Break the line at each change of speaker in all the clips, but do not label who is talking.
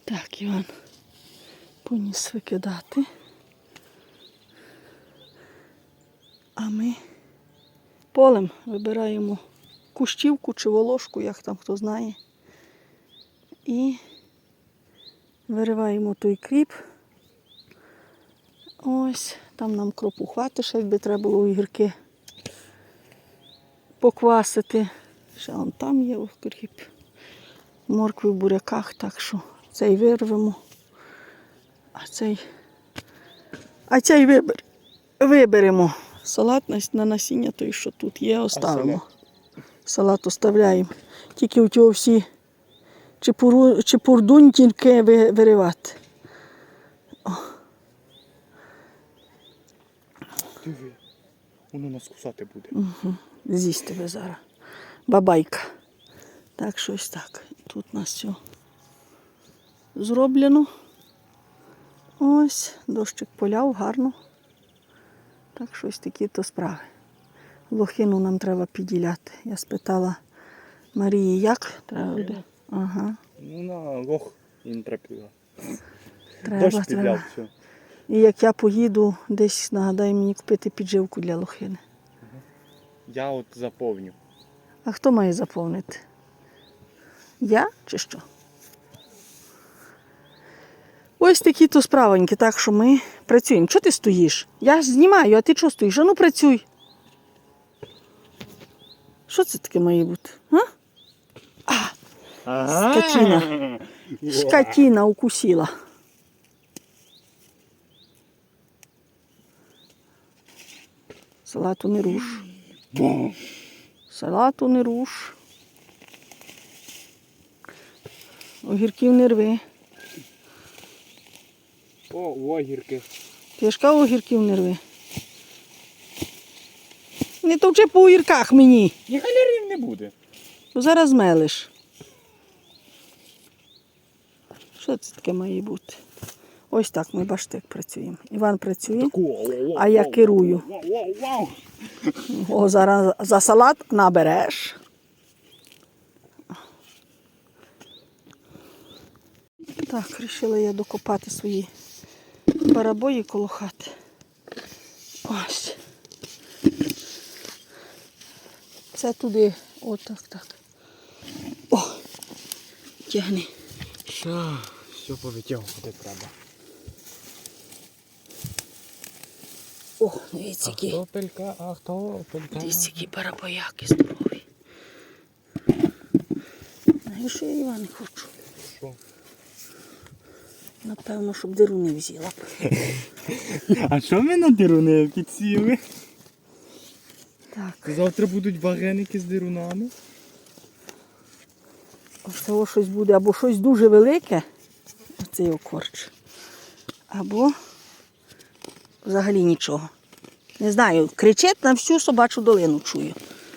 Так, Іван поніс викидати. А ми полем вибираємо кущівку чи волошку, як там хто знає. І вириваємо той кріп. Ось, там нам кропу хватить, ще якби треба було огірки поквасити. Ще вон там є окріп. Моркви в буряках, так що цей вирвемо. А цей виберемо. Салат на насіння той, що тут є, оставимо. Салат оставляємо. Тільки у цього всі чепурдунтінки виривати.
Диви, воно нас кусати буде.
Угу. З'їсть тебе зараз. Бабайка. Так, щось так. Тут у нас все зроблено. Ось, дощик поляв, гарно. Так, щось такі-то справи. Лохину нам треба підділяти. Я спитала Марії, як треба буде. Ага.
Ну, на лох і не треба.
Дощ підляв, все. І як я поїду, десь нагадай мені купити підживку для лохини.
Я от заповню.
А хто має заповнити? Я чи що? Ось такі-то справоньки, так що ми працюємо. Чого ти стоїш? Я ж знімаю, а ти чого стоїш? А ну працюй. Що це таке має бути? Скотина. Скотина укусила. Салату не руш. Салату не руш. Огірків не рви.
О, огірки.
Ти ж кажу, огірків не рви. Не товчи по огірках мені.
Ні галерів не буде.
Бо зараз мелиш. Що це таке має бути? Ось так ми, бачите, як працюємо. Іван працює, а я керую. О, зараз за салат набереш. Так, вирішила я докопати свої барабої коло хати. Ось. Це туди. Отак, так. О, тягни.
Що, все повитягувати треба.
О, дивіться, які.
Ахтопелька.
Дивіться, які барабояки здорові. Знаєш, що я, Іван, хочу?
Що?
Напевно, щоб диру не взяла б.
А що ми на дируни підсіли?
Так.
Завтра будуть вареники з дирунами.
Ось того щось буде, або щось дуже велике, оцей окорч, або взагалі нічого. Не знаю, кричить на всю собачу долину, чую.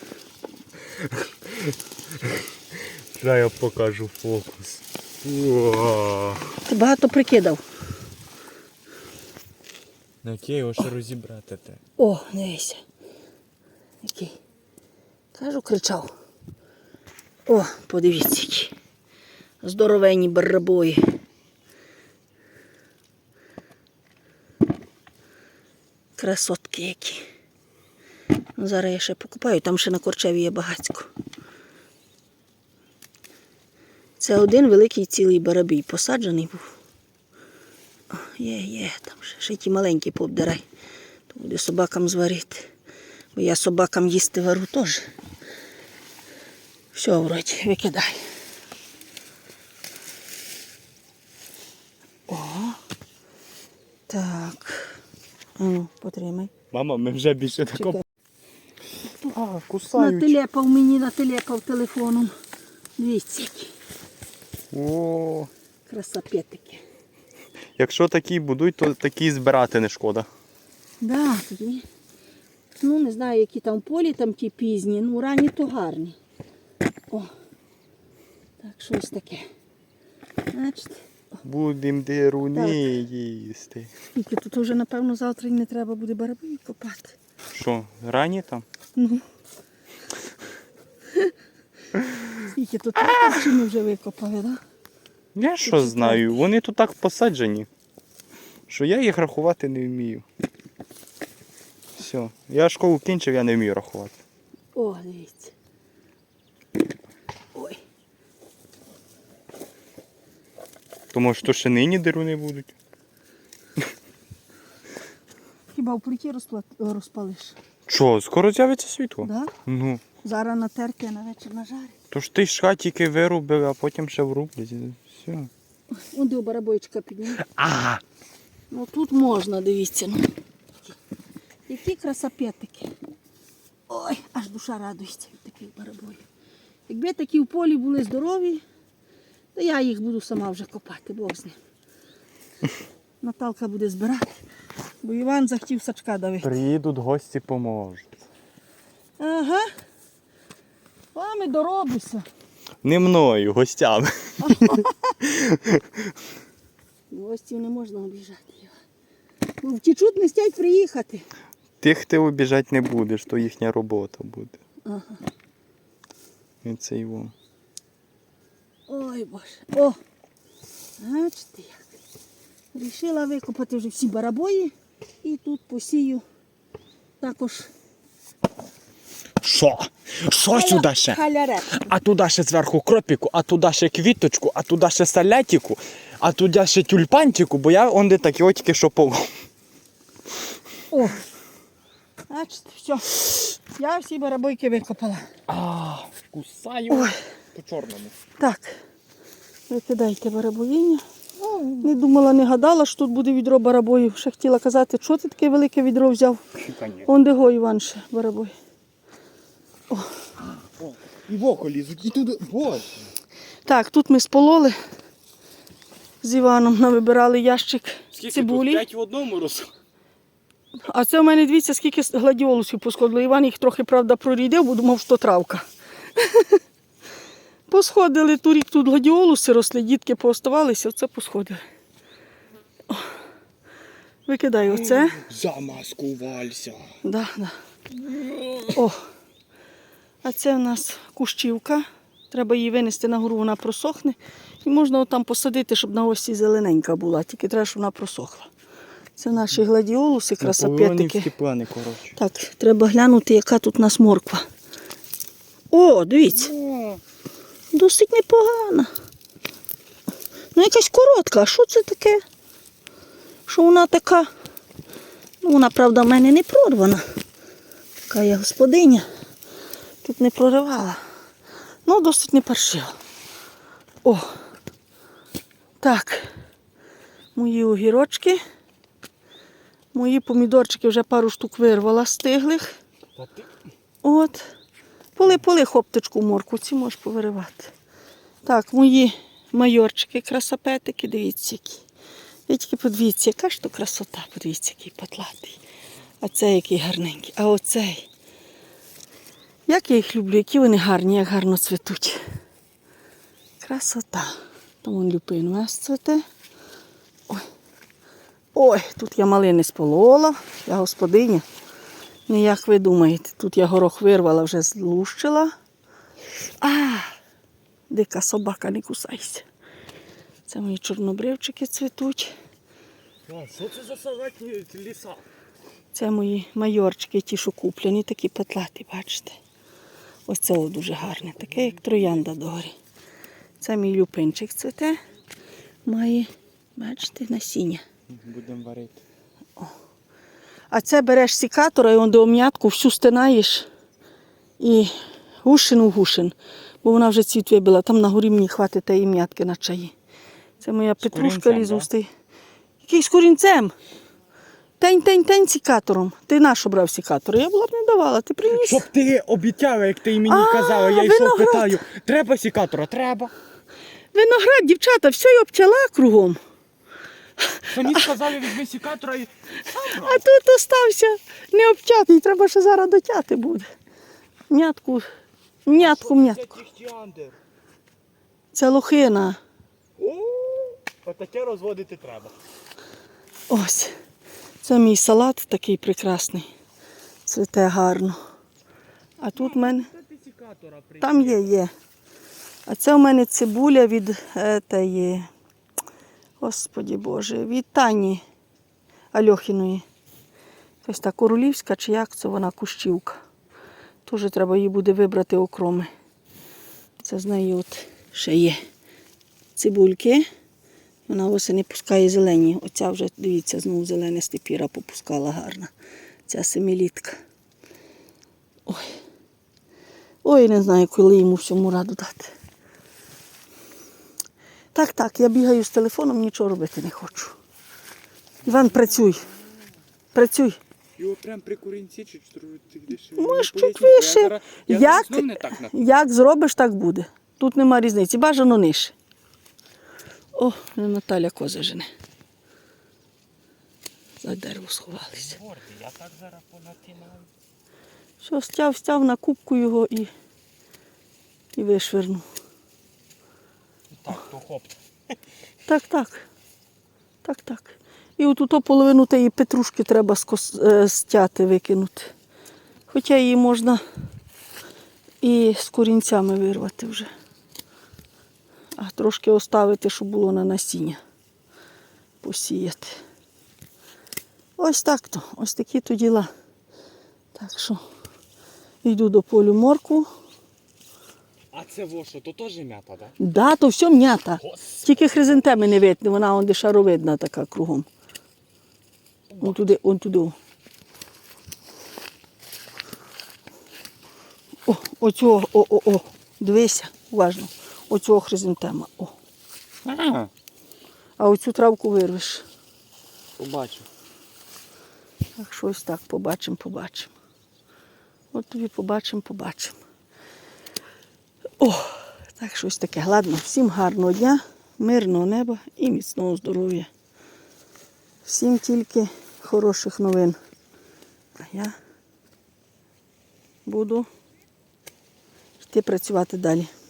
Зараз я покажу фокус. О!
Ти багато прикидав.
На який його ще розібрати те?
О, дивися. Який. Кажу, кричав. О, подивіться, які. Здоровенні барабої. Красотки які. Ну, зараз я ще покупаю, там ще на корчеві є багацько. Це один великий цілий барабій посаджений був. О, є, там ще ті маленькі пообдирай. То буде собакам зварити. Бо я собакам їсти вару теж. Все, вроді, викидай. О, так. Ну, потримай.
Мама, ми вже більше такого. А, кусають.
Натилепав телефоном. Дивіться, які.
О,
Красапетики.
якщо такі будуть, то такі збирати не шкода.
Да, тоді. Ну, не знаю, які там полі, там ті пізні. Ну, ранні то гарні. О, так, щось таке. Бачите?
Будемо дируни їсти.
Скільки тут вже, напевно, завтра і не треба буде барабої копати.
Що, рані там?
Ну. Скільки тут чи ми вже викопали, так? Да?
Я що знаю, вони тут так посаджені, що я їх рахувати не вмію. Все, я школу кінчив, я не вмію рахувати.
О, дивіться. Ой.
Тому що ще нині деруни будуть.
Хіба в плиті розпалиш?
Що, скоро з'явиться світло?
Да?
Ну,
Зараз натерти, а на вечір нажарить.
то ж ти ж тільки вирубив, а потім ще врублять. Все.
Вон до барабойчика підніми.
Ага.
Ну тут можна, дивіться. Ну. Які красопетики. Ой, аж душа радується від таких барабоїв. Якби такі в полі були здорові, то я їх буду сама вже копати, Бог з ним. Наталка буде збирати, бо Іван захотів сачка давити.
Приїдуть гості, поможуть.
Ага. Вами доробися.
Не мною, гостями.
Гостів не можна обіжати. Ну, втічуть, не стять приїхати.
Тих ти обіжати не будеш, то їхня робота буде.
Ага.
І це його.
Ой, Боже. О! Бачите як. Рішила викопати вже всі барабої і тут посію також.
Що? Що сюди ще?
Халярет.
А туди ще зверху кропіку, а туди ще квіточку, а туди ще салятику, а туди ще тюльпанчику, бо я онде такі тільки що полов.
О! Бачите, все. Я всі барабойки викопала.
Кусаю
Ой.
по чорному.
Так, викидайте барабоїння. Не думала, не гадала, що тут буде відро барабоїв. Ще хотіла казати, що ти таке велике відро взяв. Он де го, Іван, ще барабой.
І в око лізуть, і туди. Боже.
Так, тут ми спололи з Іваном, навибирали ящик цибулі.
5 в одному роз.
А це у мене, дивіться, скільки гладіолусів посходило. Іван їх трохи, правда, прорідив, бо думав, що травка. Посходили, торік тут гладіолуси росли, дітки пооставалися, оце посходили. О, викидай оце.
Замаскувався.
Да, да. О, а це у нас кущівка. Треба її винести на гору, вона просохне. І можна отам посадити, щоб на осі зелененька була, тільки треба, щоб вона просохла. Це наші гладіолуси, красопетики.
Плани, коротше.
Так, треба глянути, яка тут у нас морква. О, дивіться. Досить непогана. Ну, якась коротка. А що це таке? Що вона така? Ну, вона, правда, в мене не прорвана. Така я господиня. Тут не проривала. Ну, досить не паршива. О! Так. Мої огірочки. Мої помідорчики вже пару штук вирвала стиглих. От. Поли хоптичку морку, ці можеш повиривати. Так, мої майорчики, красопетики, дивіться які. Ви тільки подивіться, яка ж то красота, подивіться, який потлатий. А цей який гарненький. А оцей. Як я їх люблю, які вони гарні, як гарно цвітуть. Красота. Там вон люпин у нас цвіте. Ой. Ой, тут я малини сполола, я господиня. Не як ви думаєте, тут я горох вирвала, вже злущила. Дика собака, не кусайся. Це мої чорнобривчики цвітуть.
Що це за салатні ліса?
Це мої майорчики, ті, що куплені, такі патлаті, бачите. Ось це дуже гарне, таке, як троянда догорі. Це мій люпинчик цвіте, має, бачите, насіння.
Будемо варити.
А це береш сікатора і до ом'ятку всю стинаєш і гушин у гушин, бо вона вже цвіт вибила. Там на горі мені хватить тієї м'ятки на чаї. Це моя петрушка лізустий. Який з корінцем? Тень сікатором. Ти наш обрав сікатор. Я була б не давала, ти приніс.
Щоб ти обіцяла, як ти мені казала, я йшов питаю, треба сікатора? Треба.
Виноград, дівчата, все й обчала кругом.
Мені сказали, візьми сікатора і...
А тут остався необчатий, треба ще зараз дотяти буде. М'ятку. Це лохина.
Отаке розводити треба.
Ось. Це мій салат такий прекрасний. Цвіте гарно. А тут в мене... Там є. А це у мене цибуля від тієї, Господі Боже, від Тані Альохіної. Ось та королівська, чи як це вона, кущівка. Теж треба її буде вибрати окроми. Це з неї от ще є цибульки. Вона осені пускає зелені. Оця вже, дивіться, знову зелене степіра попускала гарна. Ця семилітка. Ой. Ой, не знаю, коли йому всьому раду дати. Так, я бігаю з телефоном, нічого робити не хочу. Іван, працюй. Працюй.
Його прям при корінці чи десь?
Може, чуть вище. Як зробиш, так буде. Тут нема різниці. Бажано нижче. О, Наталя кози жене. За дерево сховалися.
Я так зараз понатинаю.
Що, стяв на кубку його і вишвернув.
Так, то хоп.
Так. І отут половину тієї петрушки треба стяти, викинути. Хоча її можна і з корінцями вирвати вже. А трошки оставити, щоб було на насіння. Посіяти. Ось так-то. Ось такі то діла. Так що йду до полю моркву.
А це що, то теж м'ята, так?
Да, то все м'ята. Тільки хризантеми не видно, вона он де шаровидна така кругом. Он туди. О, дивися, уважно. Оцього хризантема. О. А оцю травку вирвеш.
Побачу.
Так, щось так, побачимо. От тобі побачимо. О, так, щось таке. Ладно, всім гарного дня, мирного неба і міцного здоров'я. Всім тільки хороших новин. А я буду йти працювати далі.